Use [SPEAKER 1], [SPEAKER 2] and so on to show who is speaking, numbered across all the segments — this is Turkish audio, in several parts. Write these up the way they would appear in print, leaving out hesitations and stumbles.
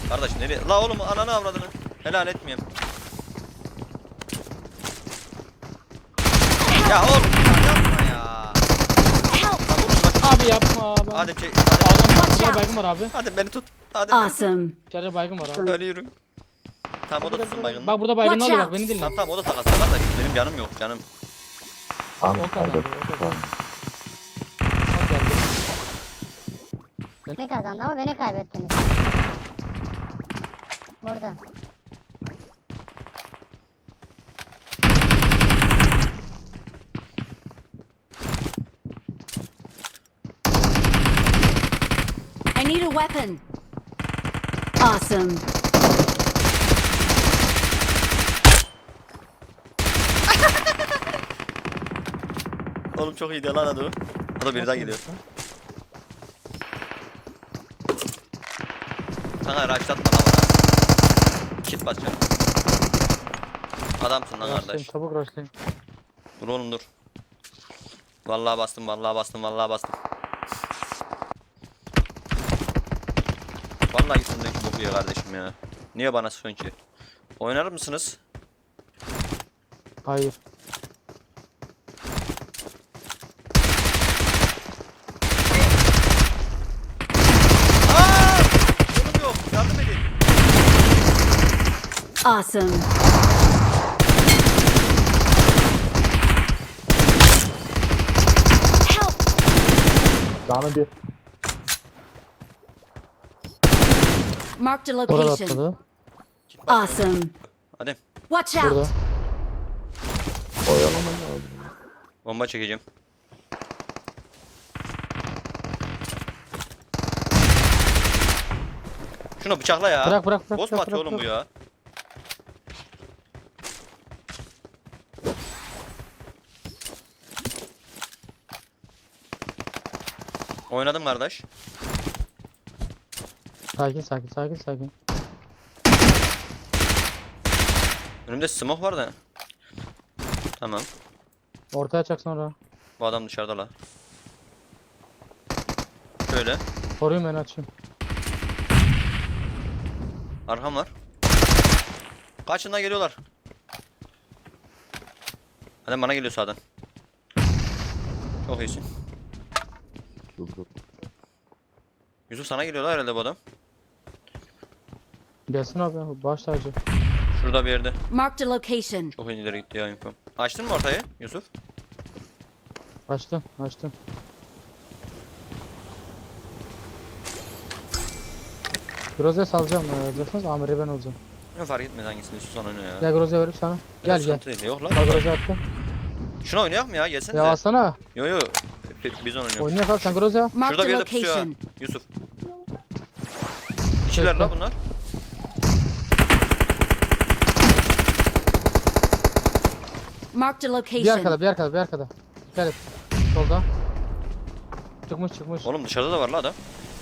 [SPEAKER 1] Kardeş nereye? La oğlum ananı avradını. Helal etmeyeyim. Ya oğlum ya yapma ya. Lan vurun bak.
[SPEAKER 2] Abi yapma abi.
[SPEAKER 1] Hadi çek.
[SPEAKER 2] Adam
[SPEAKER 1] Hadi.
[SPEAKER 2] burada baygın var abi.
[SPEAKER 1] Hadi beni tut. Hadi beni tut.
[SPEAKER 3] Awesome.
[SPEAKER 2] İçeride baygın var abi.
[SPEAKER 1] Ölüyorum. Tamam o da tutsun baygınını.
[SPEAKER 2] Bak burada baygın
[SPEAKER 3] Watch
[SPEAKER 2] alıyor
[SPEAKER 3] out.
[SPEAKER 2] bak beni dinle.
[SPEAKER 1] Tamam tamam o da takas kardeş. Benim canım yok canım.
[SPEAKER 4] Tamam.
[SPEAKER 2] O kadar.
[SPEAKER 4] Hadi.
[SPEAKER 2] O kadar.
[SPEAKER 4] Tamam.
[SPEAKER 2] Bak geldi.
[SPEAKER 5] Ne kazandı ama beni kaybettiniz. Burada.
[SPEAKER 3] I need a weapon. Awesome.
[SPEAKER 1] Oğlum çok iyi lan adı o. O da biri daha geliyor. Sana raşlatma lan bana. Kit basacağım. Adamsın lan
[SPEAKER 2] Rushlayın,
[SPEAKER 1] kardeş.
[SPEAKER 2] çabuk rushlayın.
[SPEAKER 1] Dur oğlum dur. Vallahi bastım vallahi bastım vallahi bastım. Vallahi üstündeki boku ya kardeşim ya. Niye bana sıkıyorsun ki? Oynar mısınız?
[SPEAKER 2] Hayır.
[SPEAKER 1] Aaa! Canım yok yardım edin.
[SPEAKER 3] Awesome. Help.
[SPEAKER 4] Canı bir.
[SPEAKER 3] Marked a
[SPEAKER 2] Orada
[SPEAKER 3] location.
[SPEAKER 2] atladı.
[SPEAKER 1] Kit bas.
[SPEAKER 3] Awesome.
[SPEAKER 1] Hadi
[SPEAKER 3] Watch
[SPEAKER 2] Burada.
[SPEAKER 3] out.
[SPEAKER 4] Oyalama lazım.
[SPEAKER 1] bomba çekeceğim. Şunu bıçakla ya.
[SPEAKER 2] Bırak, bırak, bırak,
[SPEAKER 1] Boss mu
[SPEAKER 2] bırak,
[SPEAKER 1] atıyor
[SPEAKER 2] bırak,
[SPEAKER 1] oğlum bu ya? Oynadım kardeş.
[SPEAKER 2] Sakin sakin sakin sakin.
[SPEAKER 1] Önümde smoke var da. Tamam.
[SPEAKER 2] Ortaya çak sonra.
[SPEAKER 1] Bu adam dışarıda la. Şöyle.
[SPEAKER 2] Koruyun beni açayım.
[SPEAKER 1] Arkam var. Kaçından geliyorlar. Adam bana geliyor sağdan. Çok iyisin.
[SPEAKER 4] Dur dur.
[SPEAKER 1] Yusuf sana geliyorlar herhalde bu adam.
[SPEAKER 2] Gelsin abi baş tacı.
[SPEAKER 1] Şurada bir yerde.
[SPEAKER 3] Marked a location.
[SPEAKER 1] Çok ileri gitti ya info. Açtın mı ortayı Yusuf?
[SPEAKER 2] Açtım açtım. Groza salacağım. Alacaksınız Amir'e ben olacağım.
[SPEAKER 1] Ne fark etmez hangisini istiyorsan oyna ya.
[SPEAKER 2] Gel Groza'ya verip sana. Gel gel.
[SPEAKER 1] Sıkıntı değil. Yok lan.
[SPEAKER 2] Bak Groza attım.
[SPEAKER 1] Şunu oynayalım mı ya? Gelsene
[SPEAKER 2] Ya
[SPEAKER 1] de.
[SPEAKER 2] alsana.
[SPEAKER 1] Yo yo. Biz onu oynuyoruz.
[SPEAKER 2] Oynuyor kal sen Groza.
[SPEAKER 3] Marked
[SPEAKER 1] Şurada
[SPEAKER 3] a
[SPEAKER 1] bir yerde pusuyor ha.
[SPEAKER 3] location.
[SPEAKER 1] Yusuf. İkiler la bunlar.
[SPEAKER 3] Marked a
[SPEAKER 2] Bir
[SPEAKER 3] location.
[SPEAKER 2] arkada bir arkada bir arkada. Dikkat et. Solda. Çıkmış çıkmış.
[SPEAKER 1] Oğlum dışarıda da var la adam.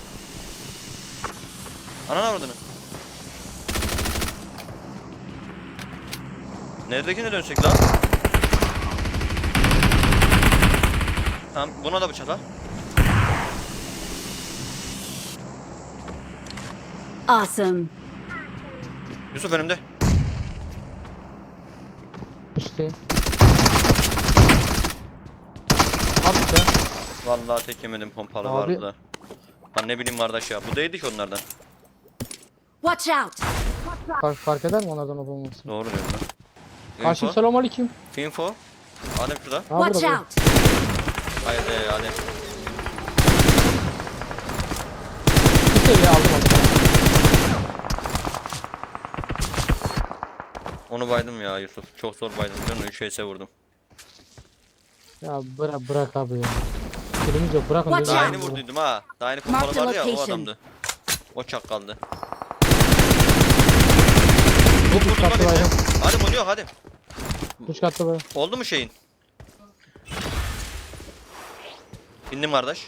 [SPEAKER 1] Ananı avradını. Neredekine dönsek lan? Tamam buna da bıçak al.
[SPEAKER 3] Awesome.
[SPEAKER 1] Yusuf önümde.
[SPEAKER 2] İşte. Abi sen.
[SPEAKER 1] Vallahi tek yemedim pompalı
[SPEAKER 2] Abi.
[SPEAKER 1] vardı da. Lan ne bileyim kardeş ya. Bu değildi ki onlardan.
[SPEAKER 3] Watch out.
[SPEAKER 2] Fark eder mi onlardan olup olması?
[SPEAKER 1] Doğru diyorsun lan.
[SPEAKER 2] Karşı
[SPEAKER 1] Info.
[SPEAKER 2] selam aleyküm.
[SPEAKER 1] Info. Adem şurada.
[SPEAKER 2] Ha,
[SPEAKER 3] Watch
[SPEAKER 2] burada,
[SPEAKER 3] out.
[SPEAKER 1] Haydi Adem.
[SPEAKER 2] Bir seviye aldım aldım.
[SPEAKER 1] Onu baydım ya Yusuf. Çok zor baydım. Ben 3 HS vurdum.
[SPEAKER 2] Ya bırak abi ya. Kilimiz yok bırakın.
[SPEAKER 3] Watch
[SPEAKER 1] Daha
[SPEAKER 3] out.
[SPEAKER 1] yeni vurduydum ha. Daha yeni pompalı
[SPEAKER 3] Mark the
[SPEAKER 1] vardı ya o
[SPEAKER 3] location.
[SPEAKER 1] adamdı. O çakkaldı.
[SPEAKER 2] Üç katlı bayram.
[SPEAKER 1] Hadi oynuyor hadi.
[SPEAKER 2] 3 katlı bayram.
[SPEAKER 1] Oldu mu şeyin? Bindim kardeş.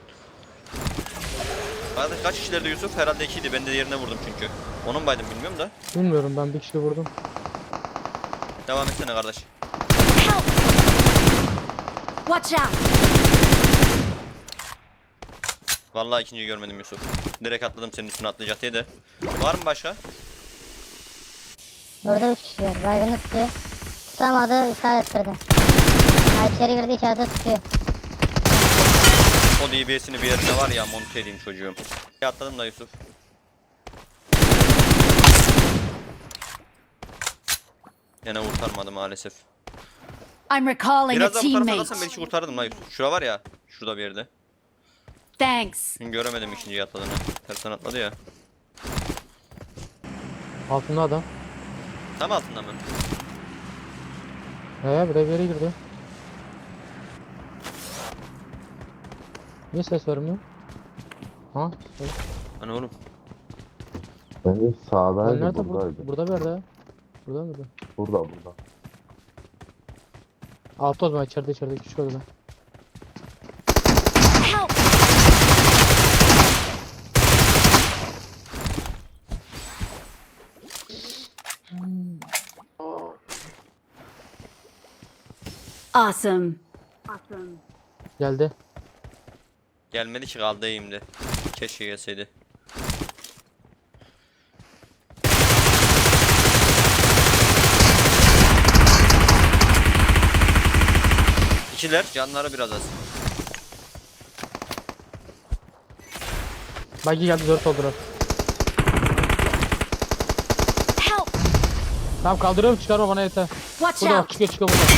[SPEAKER 1] Kardeş kaç kişilerdi Yusuf? Herhalde 2'ydi. Ben de yerine vurdum çünkü. Onun baydım bilmiyorum da.
[SPEAKER 2] Bilmiyorum ben bir kişi vurdum.
[SPEAKER 1] Devam etsene kardeş.
[SPEAKER 3] Help. Watch out.
[SPEAKER 1] Vallahi ikinciyi görmedim Yusuf. Direkt atladım senin üstüne atlayacak diye de. Var mı başka?
[SPEAKER 5] Burada 3 kişi var. Baygını tutuyor. Tutamadı, işaret kırdı. Ha, içeri girdi, işaret tutuyor.
[SPEAKER 1] O DBS'ini bir yerine var ya, monte edeyim çocuğum. Atladım da Yusuf. Yine kurtarmadı maalesef.
[SPEAKER 3] I'm recalling a
[SPEAKER 1] Biraz daha bu tarafa
[SPEAKER 3] teammate.
[SPEAKER 1] atlasam belki kurtarırdım la Yusuf. Şura var ya. Şurada bir yerde.
[SPEAKER 3] Thanks.
[SPEAKER 1] Şimdi göremedim ikinciyi atladığını. Tersten atladı ya.
[SPEAKER 2] Altında adam.
[SPEAKER 1] Tam altında mı?
[SPEAKER 2] Buraya bir yere girdi. Niye ses vermiyor? Ha? Ses.
[SPEAKER 1] Hani oğlum.
[SPEAKER 4] Bence
[SPEAKER 2] Lan
[SPEAKER 4] sağdaydı,
[SPEAKER 2] nerede?
[SPEAKER 4] buradaydı.
[SPEAKER 2] Burada bir yerde. Burada mıydı?
[SPEAKER 4] Burada.
[SPEAKER 2] Altı o zaman içeride küçük odada.
[SPEAKER 3] Help! Awesome.
[SPEAKER 2] Geldi.
[SPEAKER 1] Gelmedi ki, kaldı eğimde. Keşke gelseydi. İkiler, canları biraz az.
[SPEAKER 2] Bagi geldi 4 oldular.
[SPEAKER 3] Help!
[SPEAKER 2] Tamam kaldırıyorum, çıkarma bana yeter.
[SPEAKER 3] Watch
[SPEAKER 2] Burada bak,
[SPEAKER 3] out!
[SPEAKER 2] çıkıyor burada.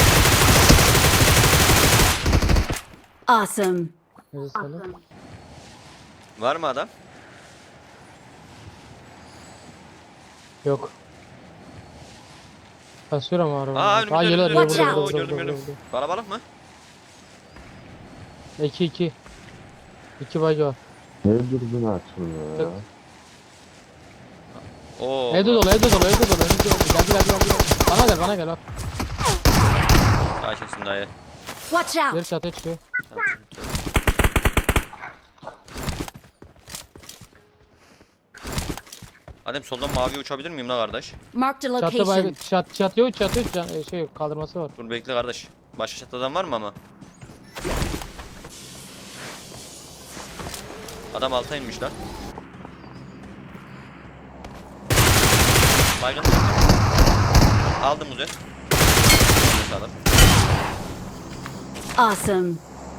[SPEAKER 3] Awesome.
[SPEAKER 2] Neyse söyle.
[SPEAKER 1] Var mı adam?
[SPEAKER 2] Yok. Basıyorum araba.
[SPEAKER 1] Aa, önümüzde,
[SPEAKER 2] geliyor,
[SPEAKER 1] önümüzde.
[SPEAKER 3] Watch
[SPEAKER 2] burada,
[SPEAKER 3] out.
[SPEAKER 1] Oo, gördüm gördüm. Kalabalık mı?
[SPEAKER 2] 2 bagi var.
[SPEAKER 4] Ne dürbün açılmıyor ya?
[SPEAKER 2] Yok.
[SPEAKER 1] Oo.
[SPEAKER 2] Evde dolu. Önümüzde dolu. Geldi. Bana gel bak.
[SPEAKER 1] Kaçırsın dayı.
[SPEAKER 3] Watch
[SPEAKER 2] Geri
[SPEAKER 3] out!
[SPEAKER 2] çatıya çıkıyor.
[SPEAKER 1] Tamam. Adem soldan mavi uçabilir miyim la kardeş?
[SPEAKER 3] Marked a
[SPEAKER 2] Çatı
[SPEAKER 3] location.
[SPEAKER 2] baygı, çatı şey kaldırması var.
[SPEAKER 1] Dur bekle kardeş. Başka çatıdan var mı ama? Adam alta inmiş lan. Baygın. Aldım Uzi. Sağlam.
[SPEAKER 3] Awesome.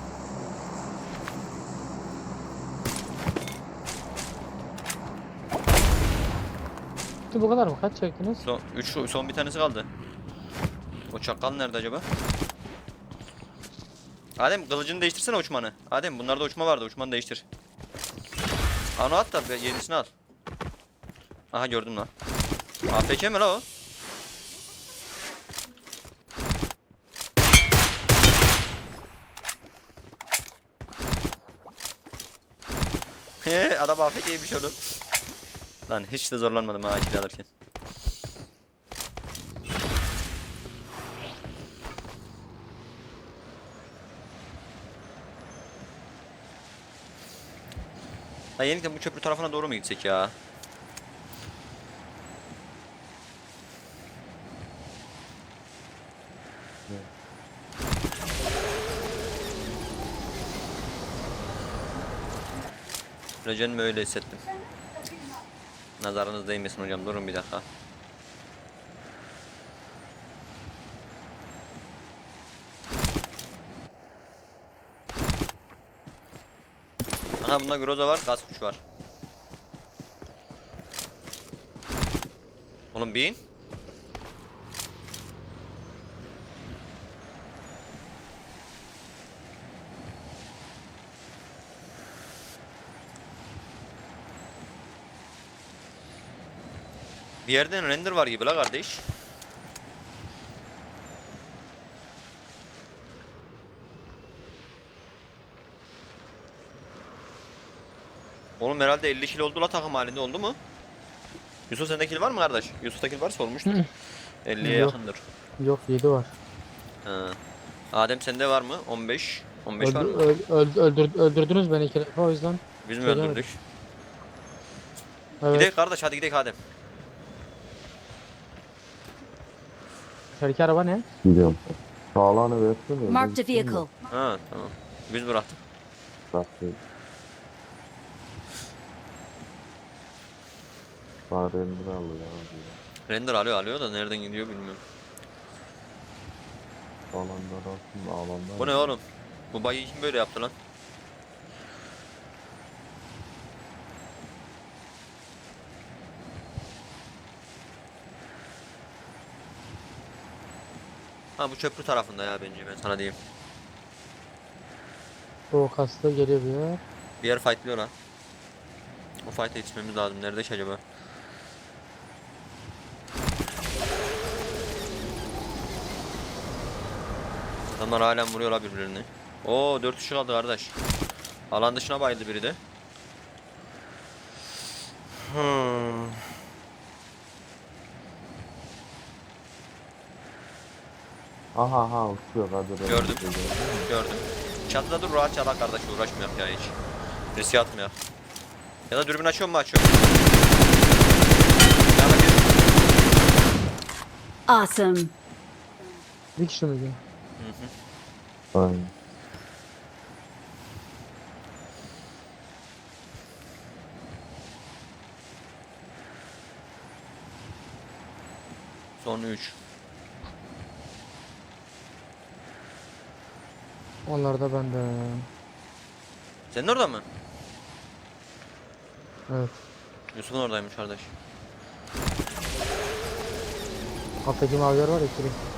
[SPEAKER 2] Bu kadar mı? Kaç çektiniz?
[SPEAKER 1] Son bir tanesi kaldı. O çakal nerede acaba? Adem kılıcını değiştirsene, uçmanı. Adem bunlarda uçma vardı, uçmanı değiştir. Onu at da yenisini al. Aha gördüm lan. AFK mi la o? He adam AFK'ymiş oğlum. Lan hiç de zorlanmadım ha ikili alırken. Ha yeniden bu köprü tarafına doğru mu gitsek ya? Recenimi öyle hissettim. Nazarınız değmesin hocam, durun bir dakika. Aha bunda Groza var, gaz kuş var. Oğlum bin. Bir yerden render var gibi la kardeş. Oğlum herhalde 50 kilo oldu la, takım halinde oldu mu? Yusuf sende kill var mı kardeş? Yusuf'ta kill varsa olmuştur. 50'ye
[SPEAKER 2] Yok.
[SPEAKER 1] yakındır.
[SPEAKER 2] Yok 7 var.
[SPEAKER 1] Ha. Adem sende var mı? 15. 15 var mı?
[SPEAKER 2] Öldürdünüz beni 2 defa o yüzden.
[SPEAKER 1] Biz mi
[SPEAKER 2] Söylemedim.
[SPEAKER 1] öldürdük?
[SPEAKER 2] Evet.
[SPEAKER 1] Gidelim kardeş, hadi gidelim Adem.
[SPEAKER 2] İçerideki araba ne?
[SPEAKER 4] Gidiyorum. Sağlağını versene.
[SPEAKER 3] Marked a vehicle.
[SPEAKER 1] Ha tamam. Biz bıraktık.
[SPEAKER 4] Bıraktım. Bana render alıyor abi.
[SPEAKER 1] Render alıyor da nereden gidiyor bilmiyorum.
[SPEAKER 4] Alanlar aslında alanlar.
[SPEAKER 1] Bu ne oğlum? Bu bayıyı kim böyle yaptı lan? Ha bu köprü tarafında ya bence ben sana diyeyim.
[SPEAKER 2] O kasta geliyor bir yer.
[SPEAKER 1] Bir yer fightlıyor lan. O fight'e yetişmemiz lazım. Nerede ki acaba? Adamlar halen vuruyorlar birbirlerini. Oo 4 kişi kaldı kardeş. Alan dışına bayıldı biri de.
[SPEAKER 4] Aha uçuyor hadi.
[SPEAKER 1] Gördüm. Gördüm. Çatıda dur rahat çala kardeş uğraşmayak ya hiç. Riske atmayak. Ya da dürbün açıyor mu açıyor? Ya da bir...
[SPEAKER 3] Awesome.
[SPEAKER 2] Bir kişi miydi?
[SPEAKER 4] Aynen.
[SPEAKER 1] Son 3.
[SPEAKER 2] Onlar da bende.
[SPEAKER 1] Senin orada mı?
[SPEAKER 2] Evet.
[SPEAKER 1] Yusuf'un oradaymış kardeş.
[SPEAKER 2] Alttaki maviler var ya. Kiri.